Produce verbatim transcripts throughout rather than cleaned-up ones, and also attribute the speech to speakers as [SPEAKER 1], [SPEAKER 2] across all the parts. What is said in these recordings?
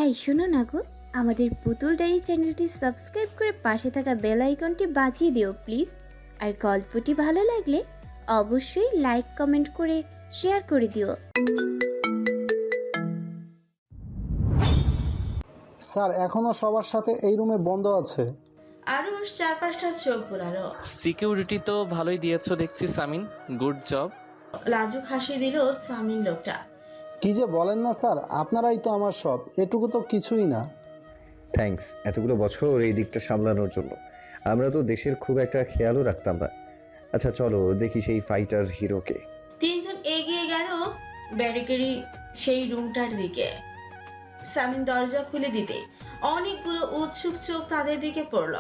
[SPEAKER 1] এই শোনো না গো, আমাদের পুতুল ডায়েরি চ্যানেলটি সাবস্ক্রাইব করে পাশে থাকা বেল আইকনটি বাজিয়ে দিও প্লিজ। আর গল্পটি ভালো লাগলে অবশ্যই লাইক কমেন্ট করে শেয়ার করে দিও।
[SPEAKER 2] স্যার এখনো সবার সাথে এই রুমে বন্ধ আছে।
[SPEAKER 3] আরুষ চার পাঁচটা চোখ বোলালো।
[SPEAKER 4] সিকিউরিটি তো ভালোই দিয়েছো দেখছি সামিন, গুড জব।
[SPEAKER 3] লাজুক হাসি দিল সামিন লোকটা।
[SPEAKER 2] কি যে বলেন না স্যার, আপনারাই তো আমার সব, এটুকু তো কিছুই না।
[SPEAKER 5] থ্যাঙ্কস এতগুলো বছর এই দিকটা সামলানোর জন্য। আমরা তো দেশের খুব একটা খেয়ালও রাখতাম না। আচ্ছা চলো দেখি সেই ফাইটার হিরোকে।
[SPEAKER 3] তিনজন এগিয়ে গেল ব্যারিকেডি সেই রুমটার দিকে। সামিন দরজা খুলে দিতে অনেকগুলো উৎসুক চোখ তাদের দিকে পড়ল।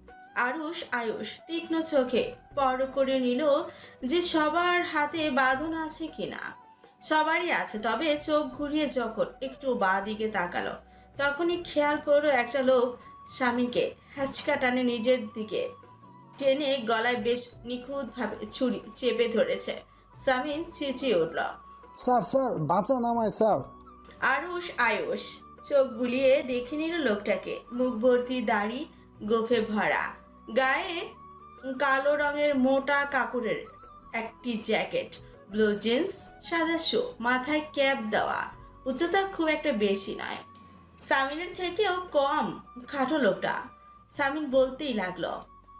[SPEAKER 3] আরুষ আয়ুষ তীক্ষ্ণ চোখে পর করে নিল যে সবার হাতে বাঁধন আছে কিনা। সবারই আছে, তবে চোখ ঘুরিয়ে যখন একটু বাঁ দিকে তাকালো তখনই খেয়াল করলো একটা লোক স্বামীকে হ্যাচকা টানে নিজের দিকে টেনে গলায় বেশ নিখুঁতভাবে ছুরি চেপে ধরেছে। সামিন চেঁচিয়ে উঠল,
[SPEAKER 2] স্যার স্যার বাঁচান আমায় স্যার।
[SPEAKER 3] আরুষ আয়ুষ চোখ বুলিয়ে দেখে নিল লোকটাকে। মুখ ভর্তি দাড়ি, গোফে ভরা, গায়ে কালো রঙের মোটা কাপড়ের একটি জ্যাকেট, ব্লু জিন্স, সাদা শু, মাথায় ক্যাপ দেওয়া, উচ্চতা খুব একটা বেশি নয়, সামিনের থেকেও কম খাটো লোকটা। সামিন বলতেই লাগলো,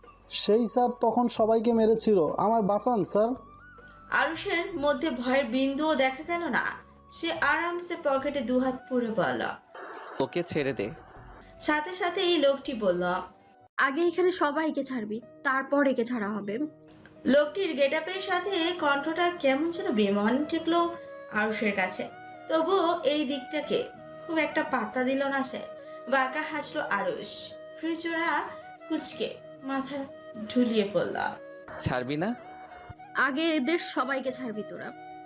[SPEAKER 2] সেই স্যার তখন সবাইকে মেরেছিল, আমায় বাঁচান স্যার।
[SPEAKER 3] আরুষের মধ্যে ভয়ের বিন্দুও দেখা গেল না। সে আরামসে পকেটে দুহাত পুরে বলল,
[SPEAKER 4] ওকে ছেড়ে দে।
[SPEAKER 3] সাথে সাথে এই লোকটি বলল,
[SPEAKER 6] আগে এখানে সবাইকে ছাড়বি, তারপর একে ছাড়া হবে।
[SPEAKER 3] লোকটির গেটআপের সাথে কণ্ঠটা কেমন যেন বেমান ঠেকলো আরুষের কাছে। তবুও এই দিকটাকে খুব একটা পাত্তা দিল না সে। বাঁকা হাসলো আরুষ, ফ্রিজোরা কুচকে মাথা ঢুলিয়ে পড়ল।
[SPEAKER 4] ছাড়বি না?
[SPEAKER 6] আগে এদের সবাইকে ছাড়বি তোরা।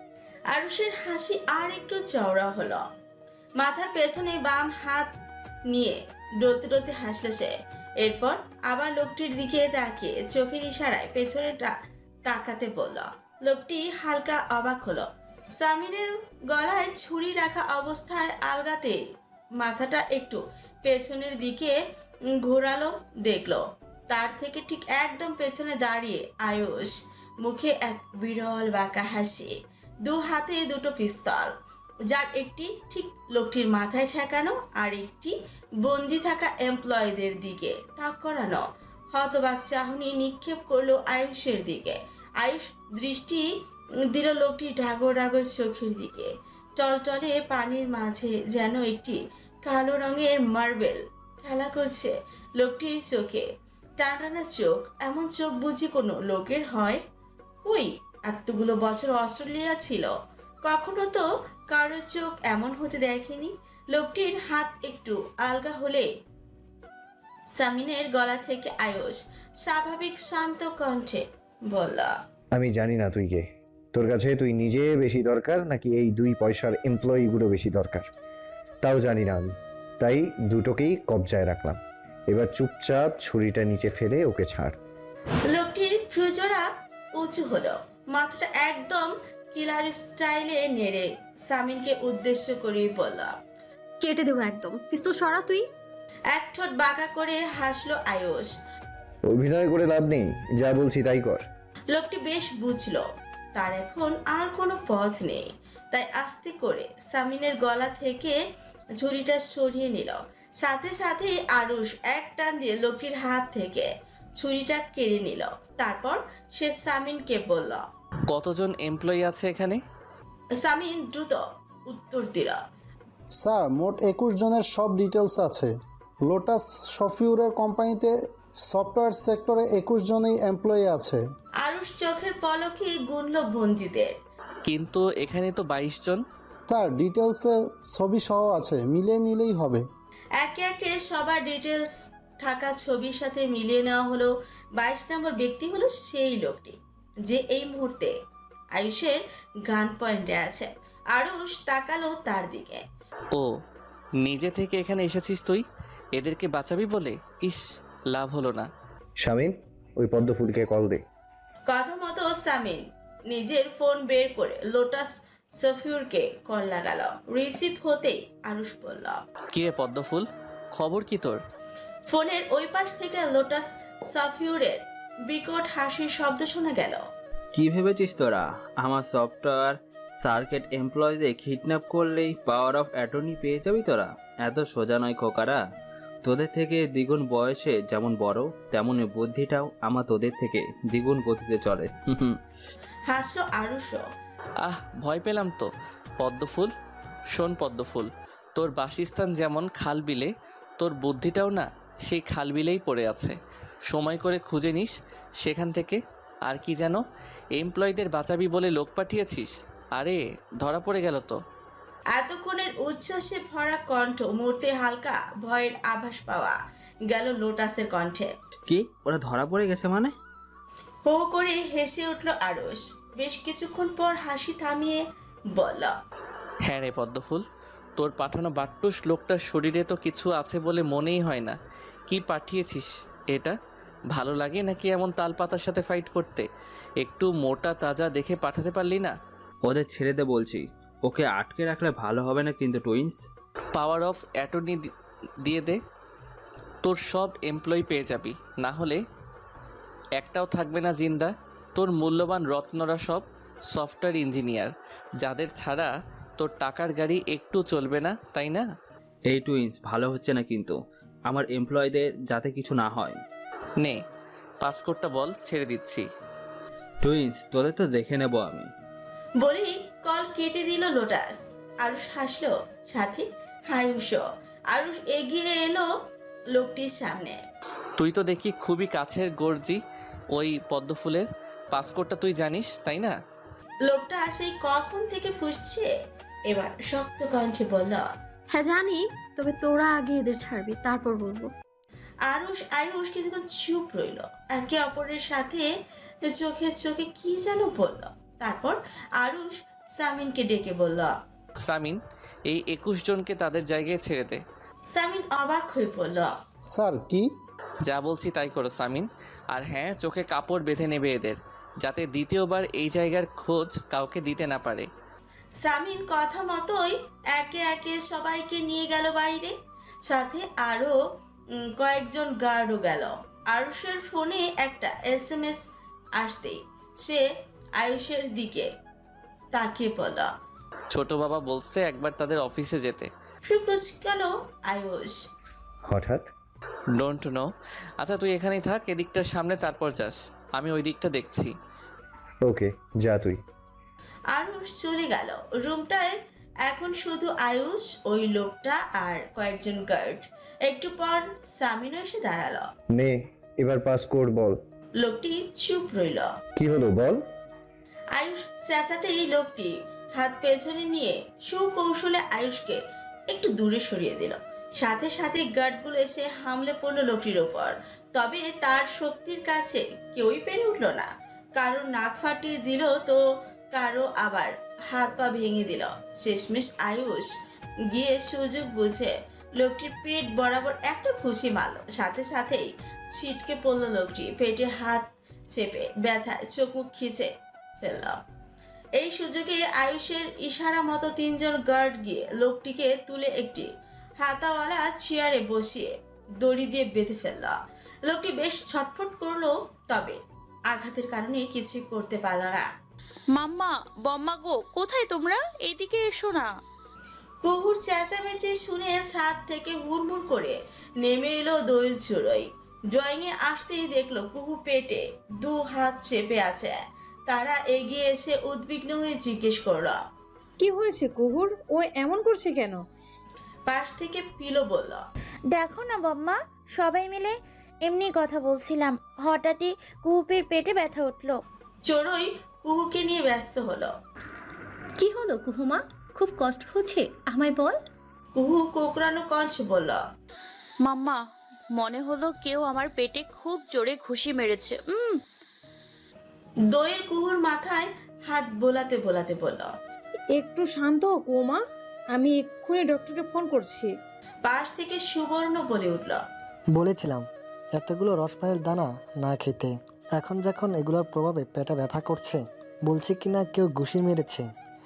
[SPEAKER 3] আরুষের হাসি আর একটু চওড়া হলো। মাথার পেছনে বাম হাত নিয়ে ডরতে ডরতে হাসলো সে। এরপর আবার লোকটির দিকে তাকিয়ে চোখের ইশারায় পেছনেটা তাকাতে বলল। লোকটি হালকা অবাক হলো। সামিনের গলায় ছুরি রাখা অবস্থায় আলগাতে মাথাটা একটু পেছনের দিকে ঘোরালো, দেখলো তার থেকে ঠিক একদম পেছনে দাঁড়িয়ে আয়ুষ, মুখে এক বিরল বাঁকা হাসি, দু হাতে দুটো পিস্তল, যার একটি ঠিক লোকটির মাথায় ঠেকানো আর একটি বন্দি থাকা এমপ্লয়ীদের দিকে তাক করানো। হতবাক চাহনি নিক্ষেপ করলো আয়ুষের দিকে। আয়ুষ দৃষ্টি দিল লোকটি ডাগর ডাগর চোখের দিকে। টলটলে পানির মাঝে যেন একটি কালো রঙের মার্বেল খেলা করছে লোকটির চোখে। টানটানা চোখ, এমন চোখ বুঝি কোনো লোকের হয়? কই, এতগুলো বছর অস্ট্রেলিয়া ছিল, কখনো তো কারো চোখ এমন হতে দেখেনি। লোকটির হাত একটু আলগা হলে সামিনের গলা থেকে আয়ুষ স্বাভাবিক শান্ত কণ্ঠে বলল,
[SPEAKER 5] আমি জানি না তুই কে, তোর কাছে তুই নিজে বেশি দরকার নাকি এই দুই পয়সার এমপ্লয়িগুলো বেশি দরকার তাও জানি না আমি, তাই দুটোকেই কবজায় রাখলাম। এবার চুপচাপ ছুরিটা নিচে ফেলে ওকে ছাড়।
[SPEAKER 3] লোকটির ফ্রুজোরা উঁচু হলো, মাথাটা একদম কিলার স্টাইলে নেড়ে সামিনকে উদ্দেশ্য করে বলল,
[SPEAKER 6] কেটে দেবো একদম, পিস্তল সরা তুই।
[SPEAKER 3] এক ঠোঁট বাঁকা করে হাসলো আয়ুষ।
[SPEAKER 5] অভিনয় করে লাভ নেই, যা বলছি তাই কর।
[SPEAKER 3] লোকটি বেশ বুঝলো তার এখন আর কোনো পথ নেই, তাই আস্তে করে সামিনের গলা থেকে ঝুড়িটা সরিয়ে নিল। সাথে সাথে আরুষ এক টান দিয়ে লোকটির হাত থেকে ছুরিটা কেড়ে নিল। তারপর সে সামিনকে বলল,
[SPEAKER 4] কতজন এমপ্লয়ি আছে এখানে?
[SPEAKER 3] সামিন দ্রুত উত্তর দিল,
[SPEAKER 2] স্যার মোট একুশ জনের সব ডিটেলস আছে। লোটাস সফিউরের কোম্পানিতে সফটওয়্যার সেক্টরে একুশ জনেই এমপ্লয়ি আছে।
[SPEAKER 3] আরুষ চোখের পলকে গুনল বন্দীদের।
[SPEAKER 4] কিন্তু এখানে তো বাইশ জন।
[SPEAKER 2] স্যার ডিটেলসে ছবি সহ আছে, মিলিয়ে নিলেই হবে।
[SPEAKER 3] একে একে সবার ডিটেলস থাকা ছবির সাথে মিলিয়ে নেওয়া হলো। বাইশ নম্বর ব্যক্তি হলো সেই লোকটি যে এই মুহূর্তে আয়ুষের গান পয়েন্টে আছে। আরুষ তাকালো তার দিকে।
[SPEAKER 4] ও, নিজে থেকে এখানে এসেছিস তুই এদেরকে বাঁচাবি বলে? ইস, লাভ হলো না।
[SPEAKER 5] শামিন, ওই পদ্ম ফুলকে কল দে।
[SPEAKER 3] কথা মতো সামিন নিজের ফোন বের করে লোটাস সফিউরকে কল লাগালো। রিসিভ হতেই আরুষ বলল,
[SPEAKER 4] কি রে পদ্মফুল, খবর কি তোর?
[SPEAKER 3] ফোনের ওই পাশ থেকে লোটাস সফিউরের বিকট হাসির শব্দ শোনা গেল।
[SPEAKER 7] কি ভেবেছিস তোরা আমার সফটওয়্যার সার্কিট এমপ্লয়ীদের কিডন্যাপ করলেই পাওয়ার অফ অ্যাটর্নি পেয়ে যাবি তোরা? এত সোজা নয় খোকারা। তোদের থেকে দ্বিগুণ বয়সে যেমন বড়, তেমনি বুদ্ধিটাও আমার তোদের থেকে দ্বিগুণ গতিতে চলে।
[SPEAKER 3] হাসলো আরুষও।
[SPEAKER 4] আহ, ভয় পেলাম তো। পদ্মফুল, শোন পদ্মফুল, তোর বাসস্থান যেমন খাল বিলে, তোর বুদ্ধিটাও না সেই খাল বিলেই পড়ে আছে। সময় করে খুঁজে নিস সেখান থেকে। আর কি যেন এমপ্লয়ীদের বাঁচাবি বলে লোক পাঠিয়েছিস? আরে ধরা পড়ে গেল তো।
[SPEAKER 3] এতক্ষণের উচ্ছ্বাসে ভরা কণ্ঠ মুহূর্তে হালকা ভয়ের আভাস পাওয়া গেল লোটাসের কণ্ঠে।
[SPEAKER 7] কি, ওরা ধরা পড়ে গেছে মানে?
[SPEAKER 3] হো হো করে হেসে উঠল আরুষ। বেশ কিছুক্ষণ পর হাসি থামিয়ে বলল,
[SPEAKER 4] হ্যাঁ রে পদ্মফুল, তোর পাঠানো বাট্টুস লোকটার শরীরে তো কিছু আছে বলে মনেই হয় না। কি পাঠিয়েছিস এটা? ভালো লাগে নাকি এমন তালপাতার সাথে ফাইট করতে? একটু মোটা তাজা দেখে পাঠাতে পারলি না?
[SPEAKER 7] ওদের ছেড়ে দে বলছি। ওকে আটকে রাখলে ভালো হবে না কিন্তু টুইন্স।
[SPEAKER 4] পাওয়ার অফ অ্যাটর্নি দিয়ে দে, তোর সব এমপ্লয়ি পেয়ে যাবি। না হলে একটাও থাকবে না জিন্দা। তোর মূল্যবান রত্নরা সব সফটওয়্যার ইঞ্জিনিয়ার, যাদের ছাড়া তোর টাকার গাড়ি একটু চলবে না, তাই না?
[SPEAKER 7] এই টুইন্স, ভালো হচ্ছে না কিন্তু আমার এমপ্লয়ীদের যাতে কিছু না হয়।
[SPEAKER 4] নে পাসকোডটা বল, ছেড়ে দিচ্ছি।
[SPEAKER 7] টুইন্স, তোদের তো দেখে নেব আমি।
[SPEAKER 3] বলেই কল কেটে দিল লোটাস। আরুষ হাসলো, সাথে হায়ুষও। আরুষ এগিয়ে এলো লোকটির সামনে।
[SPEAKER 4] তুই তো দেখি খুবই কাছের গর্জি ওই পদ্মফুলের। পাসকোডটা তুই জানিস, তাই না?
[SPEAKER 3] লোকটা সেই কখন থেকে ফুসছে। এবার শক্ত কণ্ঠে বলল,
[SPEAKER 6] হ্যাঁ জানি, তবে তোরা আগে এদের ছাড়বি, তারপর বলবো।
[SPEAKER 3] আরুষ আয়ুষ কিছুক্ষণ চুপ রইল, একে অপরের সাথে চোখে চোখে কি যেন বলল। তারপর আরুষ সামিনকে ডেকে বলল,
[SPEAKER 4] সামিন, এই একুশ জনকে তাদের জায়গায় ছেড়ে দে।
[SPEAKER 3] সামিন অবাক হয়ে বলল,
[SPEAKER 2] স্যার কি?
[SPEAKER 4] যা বলছি তাই করো সামিন। আর হ্যাঁ, চোখে কাপড় বেঁধে নেবে এদের, যাতে দ্বিতীয়বার এই জায়গার খোঁজ কাউকে দিতে না পারে।
[SPEAKER 3] সামিন কথা মতোই একে একে সবাইকে নিয়ে গেল বাইরে। সাথে আরো উম, কয়েকজন গার্ডও গেল। আরুষের ফোনে একটা এস এম এস আসতেই সে আয়ুষের দিকে তাকিয়ে বলল,
[SPEAKER 4] ছোট বাবা বলছে একবার তাদের অফিসে যেতে।
[SPEAKER 3] ফ্রিকুচ গেল আয়ুষ।
[SPEAKER 5] হঠাৎ?
[SPEAKER 4] Don't know. আচ্ছা তুই এখানেই থাক, এদিকটার সামনে, তারপর যাস। আমি ওই দিকটা দেখছি।
[SPEAKER 5] ওকে, যা তুই।
[SPEAKER 3] আরুষ চলে গেল। রুমটায় এখন শুধু আয়ুষ, ওই লোকটা আর কয়েকজন গার্ড। একটু পর সামিনও এসে দাঁড়ালো।
[SPEAKER 5] নে, এবার পাসকোড বল।
[SPEAKER 3] লোকটি চুপ রইল।
[SPEAKER 5] কি হলো বল?
[SPEAKER 3] আয়ুষ চেঁচাতেই লোকটি হাত পেছনে নিয়ে সুকৌশলে আয়ুষকে একটু দূরে সরিয়ে দিল। সাথে সাথে গার্ডগুলো এসে হামলে পড়লো লোকটির ওপর। তবে তার শক্তির কাছে কেউই পেরে উঠল না। কারো নাক ফাটিয়ে দিল তো কারো আবার হাত পা ভেঙে দিল। শেষমেশ আয়ুষ গিয়ে সুযোগ বুঝে লোকটির পেট বরাবর একটা খুশি মারল। সাথে সাথেই ছিটকে পড়লো লোকটি, পেটে হাত চেপে ব্যথায় চোখ মুখ খিচে ফেলল। এই সুযোগে আয়ুষের ইশারা মতো তিনজন গার্ড গিয়ে লোকটিকে তুলে একটি হাতাওয়ালা চেয়ারে বসিয়ে দড়ি দিয়ে বেঁধে ফেলল। লোকটি বেশ ছটফট করলো, তবে আঘাতের কারণে কিছু করতে পারল না।
[SPEAKER 8] মাম্মা, বম্মা গো, কোথায় তোমরা? এদিকে এসো না।
[SPEAKER 3] কুকুর চেঁচামেচি শুনে ছাদ থেকে হুড়মুড় করে নেমে এলো দোয়েল চুড়োই। ড্রয়িং এ আসতেই দেখলো কুহু পেটে দু হাত চেপে আছে। তারা এগিয়ে এসে উদ্বিগ্ন হয়ে জিজ্ঞেস করলো,
[SPEAKER 9] কি হয়েছে কুহুর? ও এমন করছে কেন?
[SPEAKER 3] পাশ থেকে পিলো বলল,
[SPEAKER 1] দেখো না বম্মা, সবাই মিলে এমনি কথা বলছিলাম, হঠাৎই কুহুপের পেটে ব্যথা উঠলো।
[SPEAKER 3] চড়ুই কুহুকে নিয়ে ব্যস্ত হলো।
[SPEAKER 10] কি হলো কুহুমা, খুব কষ্ট হচ্ছে, আমায় বল।
[SPEAKER 3] কুহু কোকড়ানো কঞ্চ বলল,
[SPEAKER 8] মাম্মা, মনে হলো কেউ আমার পেটে খুব জোরে ঘুষি মেরেছে। উম
[SPEAKER 3] দোয়েল কুহুর মাথায় হাত বোলাতে বোলাতে বলল।
[SPEAKER 9] একটু শান্ত হ কুমা, আমি এক্ষুনি ডক্টরকে ফোন করছি।
[SPEAKER 3] পাশ থেকে সুবর্ণ বলে উঠল,
[SPEAKER 11] বলেছিলাম এতগুলো রসমাইয়ের দানা না খেতে। এখন যখন এগুলোর প্রভাবে পেটে ব্যথা করছে, বলছে কিনা কেউ ঘুষি মেরেছে।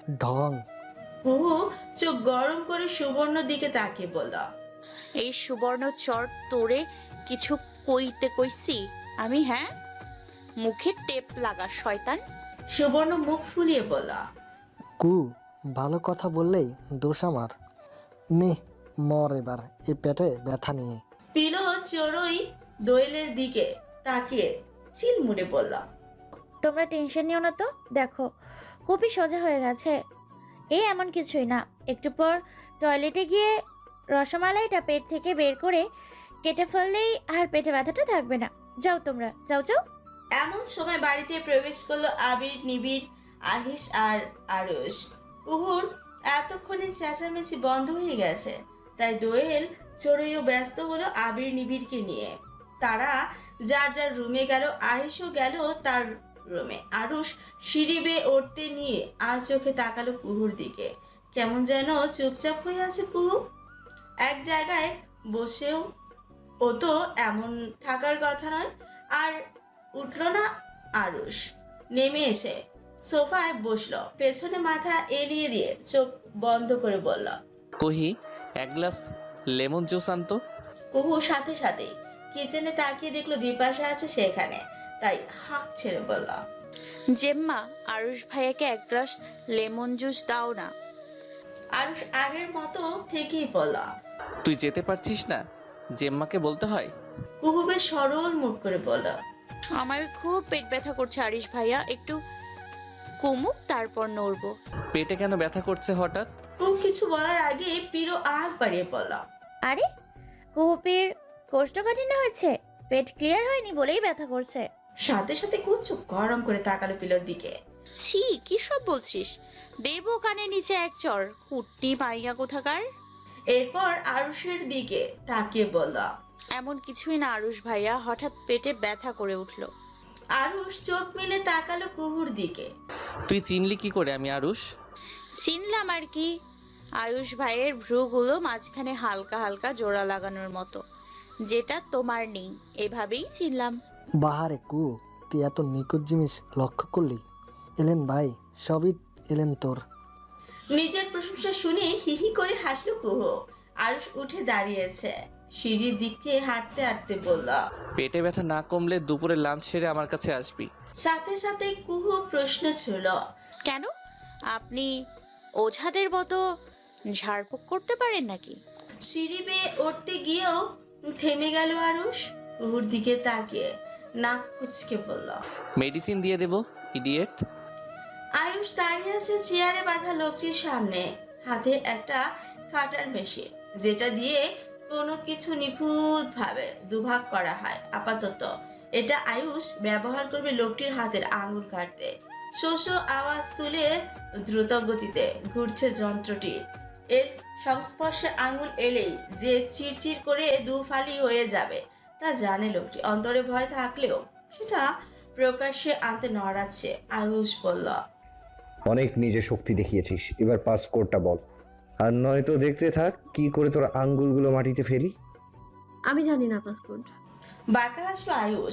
[SPEAKER 11] ঢং।
[SPEAKER 3] কুহু চোখ গরম করে সুবর্ণ দিকে তাকিয়ে বলল,
[SPEAKER 8] এই সুবর্ণ চর তোরে কিছু কইতে কইছি আমি? হ্যাঁ, মুখে টেপ লাগা শয়তান।
[SPEAKER 3] সুবর্ণ মুখ ফুলিয়ে বলল,
[SPEAKER 11] কু, ভালো কথা বললেই দোষ আমার। নে মর এবার এই পেটে ব্যথা নিয়ে।
[SPEAKER 3] পিলো চড়ুই দোয়েলের দিকে তাকিয়ে চিলমুড়ে বলল,
[SPEAKER 1] তোমরা টেনশন নিও না তো, দেখো খুবই সোজা হয়ে গেছে। এ এমন কিছুই না, একটু পর টয়লেটে গিয়ে রসমালাইটা পেট থেকে বের করে কেটে ফেললেই আর পেটে ব্যথাটা থাকবে না। যাও তোমরা, যাও যাও।
[SPEAKER 3] এমন সময় বাড়িতে প্রবেশ করলো আবির, নিবিড়, আহিস আর আরুষ। কুহুর এতক্ষণে চেঁচামেচি বন্ধ হয়ে গেছে, তাই দোয়েল চড়ুইও ব্যস্ত হলো আবির নিবিড়কে নিয়ে। তারা যার যার রুমে গেল, আহিসও গেল তার রুমে। আরুষ সিঁড়ি বেয়ে উঠতে নিয়ে আর চোখে তাকালো কুহুর দিকে। কেমন যেন চুপচাপ হয়ে আছে কুহু, এক জায়গায় বসেও। ও তো এমন থাকার কথা নয়। আর উঠল না আরুষ, নেমে এসে সোফায় বসলো, পেছনে মাথা এলিয়ে দিয়ে চোখ বন্ধ করে বলল,
[SPEAKER 4] কহি এক গ্লাস লেমন জুস আনতো।
[SPEAKER 3] কুহু সাথে সাথে কিচেনে তাকিয়ে দেখলো বিপাশা আছে সেখানে, তাই হাঁক ছেড়ে বলল,
[SPEAKER 8] জেম্মা, আরুষ ভাইয়াকে এক গ্লাস লেমন জুস দাও না।
[SPEAKER 3] আরুষ আগের মতো থেকেই বলল।
[SPEAKER 4] তুই যেতে পারছিস না, জেম্মাকে বলতে হয়।
[SPEAKER 3] কুহু বেশ সরল মুখ করে বলল,
[SPEAKER 8] আমার খুব পেট ব্যথা করছে আরিশ ভাইয়া, একটু কমুক তারপর নড়বো।
[SPEAKER 4] পেটে কেন ব্যথা করছে হঠাৎ?
[SPEAKER 3] কুহু কিছু বলার আগে পিরো আগ বাড়িয়ে বলল,
[SPEAKER 1] আরে কুহুপির কোষ্ঠকাঠিন্য হয়েছে, পেট ক্লিয়ার হয়নি বলেই ব্যথা করছে।
[SPEAKER 3] সাথে সাথে কুহু চোখ গরম করে তাকালো পিলোর দিকে।
[SPEAKER 8] ছি, কি সব বলছিস? দেবো কানে নিচে এক চর, কুটনি পাইয়া কোথাকার।
[SPEAKER 3] এরপর আরুষের দিকে তাকিয়ে বলল,
[SPEAKER 8] এমন কিছুই না আরুষ ভাইয়া, হঠাৎ পেটে ব্যথা করে উঠলো।
[SPEAKER 3] আরুষ চোখ মেলে তাকালো কুহুর দিকে।
[SPEAKER 4] তুই চিনলি কি করে আমি আরুষ?
[SPEAKER 8] চিনলাম আর কি, আয়ুষ ভাইয়ের ভ্রুগুলো মাঝখানে হালকা হালকা জোড়া লাগানোর মতো, যেটা তোমার নেই, এভাবেই চিনলাম।
[SPEAKER 11] বাহারে কু, তুই এত নিখুঁত জিনিস লক্ষ্য করলি? এলেন ভাই, সবই এলেন তোর।
[SPEAKER 3] নিজের প্রশংসা শুনে হিহি করে হাসলো কুহু। আরুষ উঠে দাঁড়িয়েছে, সিঁড়ির দিক থেকে হাঁটতে হাঁটতে বলল,
[SPEAKER 4] পেটে ব্যথা না কমলে দুপুরে লাঞ্চ সেরে আমার কাছে আসবি।
[SPEAKER 3] সাথে সাথে কুহু প্রশ্ন ছিল,
[SPEAKER 8] কেন, আপনি ওঝাদের মতো ঝাড়ফুঁক করতে পারেন নাকি?
[SPEAKER 3] সিঁড়ি বেয়ে উঠতে গিয়েও থেমে গেল আরুষ। কুহুর দিকে তাকিয়ে নাক কুচকে বলল,
[SPEAKER 4] মেডিসিন দিয়ে দেব ইডিয়েট।
[SPEAKER 3] আয়ুষ দাঁড়িয়ে আছে চেয়ারে বাঁধা লোকটির সামনে, হাতে একটা কাটার মেশিন, যেটা দিয়ে কোনো কিছু নিখুঁত ভাবে দুভাগ করা হয়। আপাতত এটা আয়ুষ ব্যবহার করবে লোকটির হাতের আঙুল কাটতে। শোষ আওয়াজ তুলে দ্রুত গতিতে ঘুরছে যন্ত্রটি। এর সংস্পর্শে আঙুল এলেই যে চিরচির করে দুফালি হয়ে যাবে তা জানে লোকটি। অন্তরে ভয় থাকলেও সেটা প্রকাশ্যে আনতে নড়াচ্ছে। আয়ুষ বলল,
[SPEAKER 5] অনেক নিজে শক্তি দেখিয়েছিস, এবার পাস কোডটা বল, আর নয়তো দেখতে থাক কি করে তোর আঙ্গুলগুলো মাটিতে ফেলি।
[SPEAKER 6] আমি জানি না পাসকোড।
[SPEAKER 3] বাঁকা হাসলো আয়ুষ।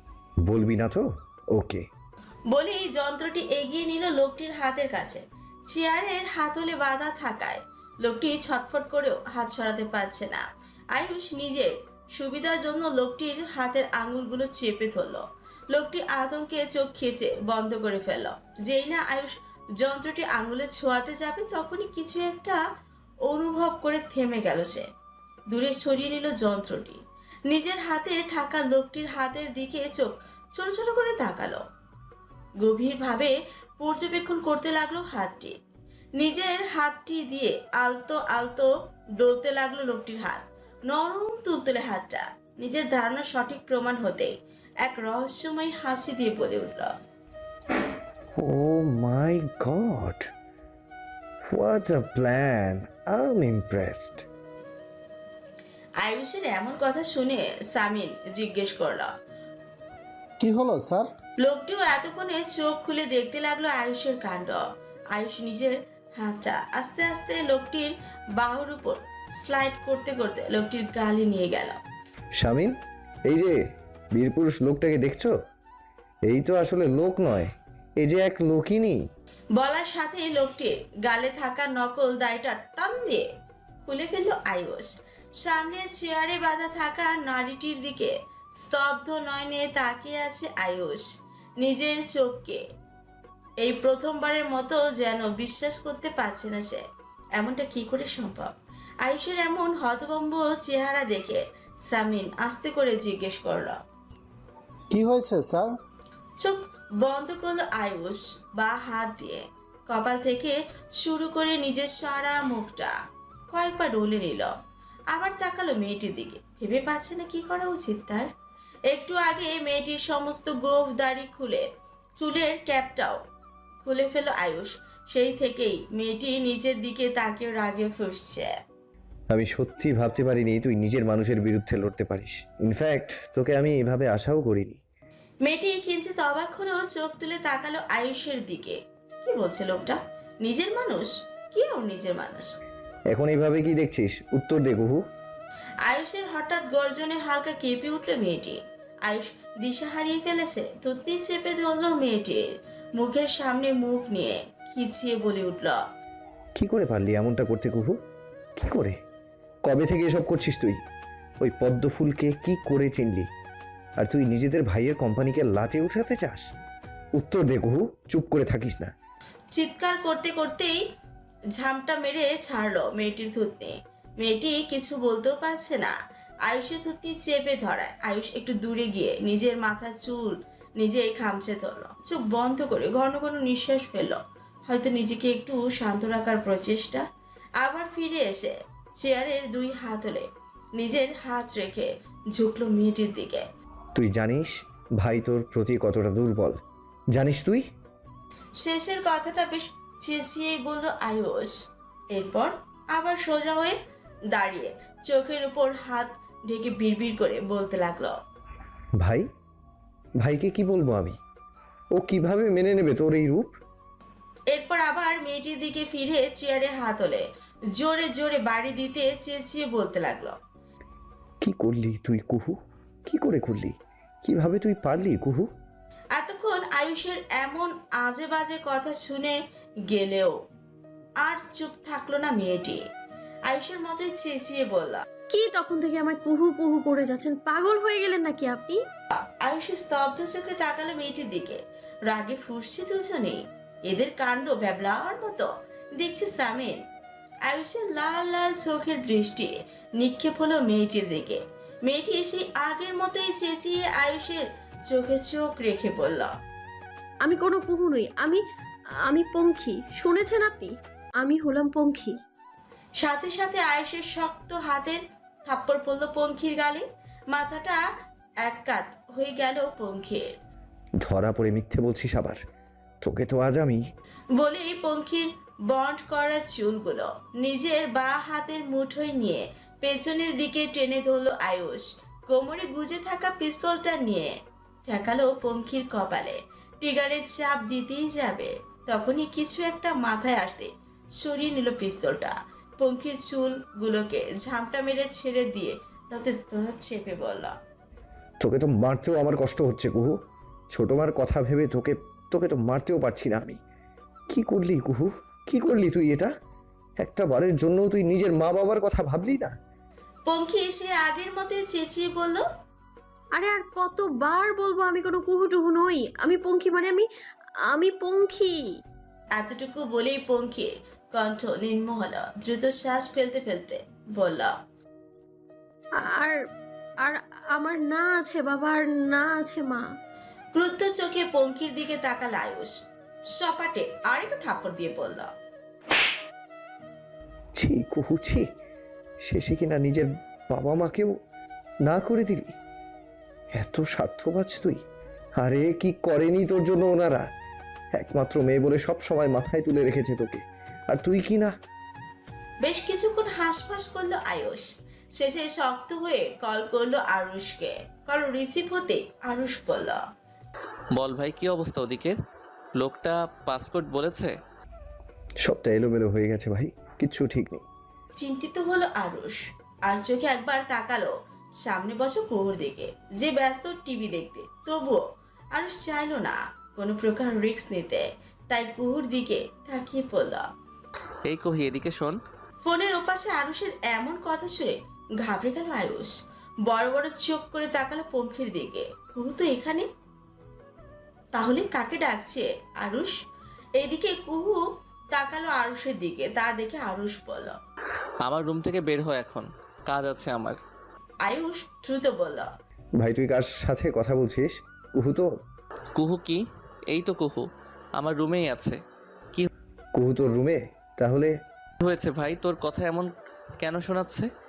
[SPEAKER 5] বলবি না তো? ওকে।
[SPEAKER 3] বলেই যন্ত্রটি এগিয়ে নিল লোকটির হাতের কাছে। চেয়ারের হাতলে বাঁধা থাকায় লোকটি ছটফট করেও হাত ছড়াতে পারছে না। আয়ুষ নিজের সুবিধার জন্য লোকটির হাতের আঙুলগুলো চেপে ধরল। লোকটি আতঙ্কে চোখ খেচে বন্ধ করে ফেলল। যেই না আয়ুষ যন্ত্রটি আঙুলে ছোঁয়াতে যাবে তখনই কিছু একটা অনুভব করে থেমে গেল সে। দূরে সরিয়ে নিল যন্ত্রটি। নিজের হাতে থাকা লোকটির হাতের দিকে চোখ ছোট ছোট করে তাকালো। গভীরভাবে পর্যবেক্ষণ করতে লাগলো হাতটি। নিজের হাতটি দিয়ে আলতো আলতো ডলতে লাগলো লোকটির হাত। নরম তুলতুলে হাতটা। নিজের ধারণা সঠিক প্রমাণ হতেই এক রহস্যময় হাসি দিয়ে বলে উঠল,
[SPEAKER 5] oh my god, what a plan, I am impressed.
[SPEAKER 3] আয়ুষের এমন কথা শুনে সামিন জিজ্ঞেস করল,
[SPEAKER 2] কি হলো স্যার?
[SPEAKER 3] লোকটিও এতক্ষণে চোখ খুলে দেখতে লাগলো আয়ুষের কাণ্ড। আয়ুষ নিজের হাতটা আস্তে আস্তে লোকটির বাহুর উপর স্লাইড করতে করতে লোকটির গালে নিয়ে গেল।
[SPEAKER 5] শামিন, এই যে বীরপুরুষ লোকটাকে দেখছো? এই তো আসলে লোক নয়, এই যে এক লোকিনী।
[SPEAKER 3] বলার সাথেই লোকটির গালে থাকা নকল দাড়িটা টান দিয়ে খুলে ফেলল আয়ুষ। সামনে চেয়ারে বাঁধা থাকা নারীটির দিকে স্তব্ধ নয়নে তাকিয়ে আছে আয়ুষ। নিজের চোখকে এই প্রথমবারের মতো যেন বিশ্বাস করতে পারছে না সে। এমনটা কি করে সম্ভব? আয়ুষের এমন হতভম্ব চেহারা দেখে সামিন আস্তে করে জিজ্ঞেস করল।
[SPEAKER 2] কি হয়েছে স্যার?
[SPEAKER 3] চোখ বন্ধ করলো আয়ুষ বা হাত দিয়ে কপাল থেকে শুরু করে নিজের সারা মুখটা কয়েকবার ডলে নিল। আবার তাকালো মেয়েটির দিকে, ভেবে পাচ্ছে না কি করা উচিত তার। একটু আগে মেয়েটির সমস্ত গোঁফ দাড়ি খুলে চুলের ক্যাপটাও খুলে ফেল আয়ুষ। সেই থেকেই মেয়েটি নিজের দিকে তাকিয়ে রাগে ফুঁসছে।
[SPEAKER 5] আমি সত্যি ভাবতে পারিনি তুই নিজের মানুষের বিরুদ্ধে লড়তে পারিস। ইনফ্যাক্ট তোকে আমি এভাবে আশাও করিনি।
[SPEAKER 3] মেয়েটি কিঞ্চিত অবাক হলেও চোখ তুলে তাকালো আয়ুষের দিকে। কি বলছে লোকটা? নিজের মানুষ? কি ওর নিজের মানুষ?
[SPEAKER 5] এখন এইভাবে কি দেখছিস? উত্তর দে কুহু।
[SPEAKER 3] আয়ুষের হঠাৎ গর্জনে হালকা কেঁপে উঠল মেয়েটি। আয়ুষ দিশা হারিয়ে ফেলেছে। থুতনি চেপে ধরল মেয়েটির মুখের সামনে মুখ নিয়ে খিচিয়ে বলে উঠল,
[SPEAKER 5] কি করে পারলি এমনটা করতে কুহু? কি করে? কবে থেকে এসব করছিস তুই? ওই পদ্ম ফুলকে কি করে চিনলি? আর তুই নিজেদের ভাইয়ের কোম্পানিকে লাটে উঠাতে চাস? উত্তর দে কুহু, চুপ করে থাকিস না।
[SPEAKER 3] চিৎকার করতে করতেই ঝামটা মেরে ছাড়লো মেয়েটির থুতনি। মেয়েটি কিছু বলতেও পারছে না। আয়ুষের থুতনি চেপে ধরায় আয়ুষ একটু দূরে গিয়ে নিজের মাথার চুল নিজেই খামচে ধরলো। চোখ বন্ধ করে ঘন ঘন নিঃশ্বাস ফেলল, হয়তো নিজেকে একটু শান্ত রাখার প্রচেষ্টা। আবার ফিরে এসে চেয়ারের দুই হাত হলে নিজের হাত রেখে ঝুঁকলো মেয়েটির দিকে।
[SPEAKER 5] তুই জানিস ভাই তোর প্রতি কতটা দুর্বল? জানিস তুই?
[SPEAKER 3] শেষের কথাটা বেশ চেঁচিয়েই বলল আয়ুষ। এরপর আবার সোজা হয়ে দাঁড়িয়ে চোখের উপর হাত ঢেকে বিড়বিড় করে বলতে লাগলো,
[SPEAKER 5] ভাই? ভাইকে কি বলবো আমি? ও কিভাবে মেনে নেবে তোর এই রূপ?
[SPEAKER 3] এরপর আবার মেয়েটির দিকে ফিরে চেয়ারে হাত হলে জোরে জোরে বাড়ি দিতে চেঁচিয়ে বলতে লাগলো,
[SPEAKER 5] কি করলি তুই কুহু? কি করে করলি? কিভাবে তুই পারলি কুহু?
[SPEAKER 3] এতক্ষণ আয়ুষের এমন আজে বাজে কথা শুনে গেলেও আর চুপ থাকলো না মেয়েটি। আয়ুষের মতে চেঁচিয়ে বলল,
[SPEAKER 6] কি তখন থেকে আমায় কুহু কুহু করে যাচ্ছেন? পাগল হয়ে গেলেন নাকি আপনি?
[SPEAKER 3] আয়ুষের স্তব্ধ চোখে তাকালো মেয়েটির দিকে। রাগে ফুঁসছে দুজনেই। এদের কাণ্ড ব্যাবলার মতো দেখছে সামিন। আয়ুষের লাল লাল চোখের দৃষ্টি নিক্ষেপ হলো মেয়েটির দিকে। মেয়েটি এসে আগের মতোই চেঁচিয়ে আয়ুষের চোখে চোখ রেখে বলল,
[SPEAKER 6] আমি কোনো কুহু নই। আমি আমি পঙ্খী। শুনেছেন আপনি? আমি হলাম পঙ্খী।
[SPEAKER 3] সাথে সাথে আয়ুষের শক্ত হাতের থাপ্পড় পড়ল পঙ্খির গালে। মাথাটা এক কাত হয়ে গেল পঙ্খির।
[SPEAKER 5] ধরা পড়ে মিথ্যে বলছিস আবার? তোকে তো আজ আমি।
[SPEAKER 3] বলেই পঙ্খির বন্ড করা চুলগুলো নিজের বা হাতের মুঠোয় নিয়ে পেছনের দিকে টেনে ধরল আয়ুষ। কোমরে গুজে থাকা পিস্তলটা নিয়ে ঠেকালো পঙ্খির কপালে। ট্রিগারের চাপ দিতেই যাবে, তখনই কিছু একটা মাথায় আসতে সরিয়ে নিল পিস্তলটা। পঙ্খির চুলগুলোকে ঝামটা মেরে ছেড়ে দিয়ে তাতে চেপে বলল,
[SPEAKER 5] তোকে তো মারতেও আমার কষ্ট হচ্ছে কুহু। ছোট মার কথা ভেবে তোকে তোকে তো মারতেও পারছি না আমি। কি করলি কুহু? কি করলি তুই এটা? একটা বারের জন্য তুই নিজের মা বাবার কথা ভাবলি না?
[SPEAKER 3] পঙ্খি সে আগের মতোই চেঁচিয়ে বলল,
[SPEAKER 6] আরে আর কতবার বলবো আমি কোনো কুহু টুহু নই। আমি পঙ্খী, মানে আমি আমি পঙ্খী।
[SPEAKER 3] এতটুকু বলেই পঙ্খির কণ্ঠ নিম্ন হলো। দ্রুত শ্বাস ফেলতে ফেলতে বলল,
[SPEAKER 6] আর আর আমার না আছে বাবা, আর না আছে মা।
[SPEAKER 3] ক্রুদ্ধ চোখে পঙ্খির দিকে তাকাল আয়ুষ। সপাটে আরেকটা থাপ্পড় দিয়ে বলল,
[SPEAKER 5] ছি কুহু ছি, শেষে কিনা নিজের বাবা মাকেও না করে দিলি। এত স্বার্থবাজ তুই। আরে কি করেনি তোর জন্য ওনারা? একমাত্র মেয়ে বলে সব সময় মাথায় তুলে রেখেছে তোকে, আর তুই কি না?
[SPEAKER 3] বেশ কিছুক্ষণ হাঁসফাঁস করলো আয়ুষ। শেষে শক্ত হয়ে কল করলো আরুষকে। কল রিসিভ হতে আরুষ বলল,
[SPEAKER 4] বল ভাই, কি অবস্থা ওদিকের? লোকটা পাসকোড বলেছে?
[SPEAKER 5] সবটা এলোমেলো হয়ে গেছে ভাই, কিচ্ছু ঠিক নেই।
[SPEAKER 3] চিন্তিত হলো আরুষ। আর চোখে একবার তাকালো সামনে বসে কুহুর দিকে, যে ব্যস্ত টিভি দেখতে। তবুও আরুষ চাইলো না কোনো প্রকার রিস্ক নিতে। তাই কুহুর দিকে তাকিয়ে পড়ল।
[SPEAKER 4] এই কহি এদিকে শোন।
[SPEAKER 3] ফোনের ওপাশে আরুষের এমন কথা শুনে ঘাবড়ে গেল আয়ুষ। বড় বড় চোখ করে তাকালো পঙ্খির দিকে। কুহু তো এখানে, তাহলে কাকে ডাকছে আরুষ? এইদিকে কুহু তাকালো আরুষের দিকে, তা দেখে আরুষ বলল,
[SPEAKER 4] আমার রুম থেকে বের হয়, এখন কাজ আছে আমার।
[SPEAKER 3] আয়ুষ দ্রুত বলল,
[SPEAKER 5] ভাই তুই কার সাথে কথা বলছিস? কুহু তো।
[SPEAKER 4] কুহু কি? এই তো কুহু আমার রুমেই আছে।
[SPEAKER 5] কুহু তোর রুমে? তাহলে
[SPEAKER 4] হয়েছে ভাই, তোর কথা এমন কেন শোনাচ্ছে?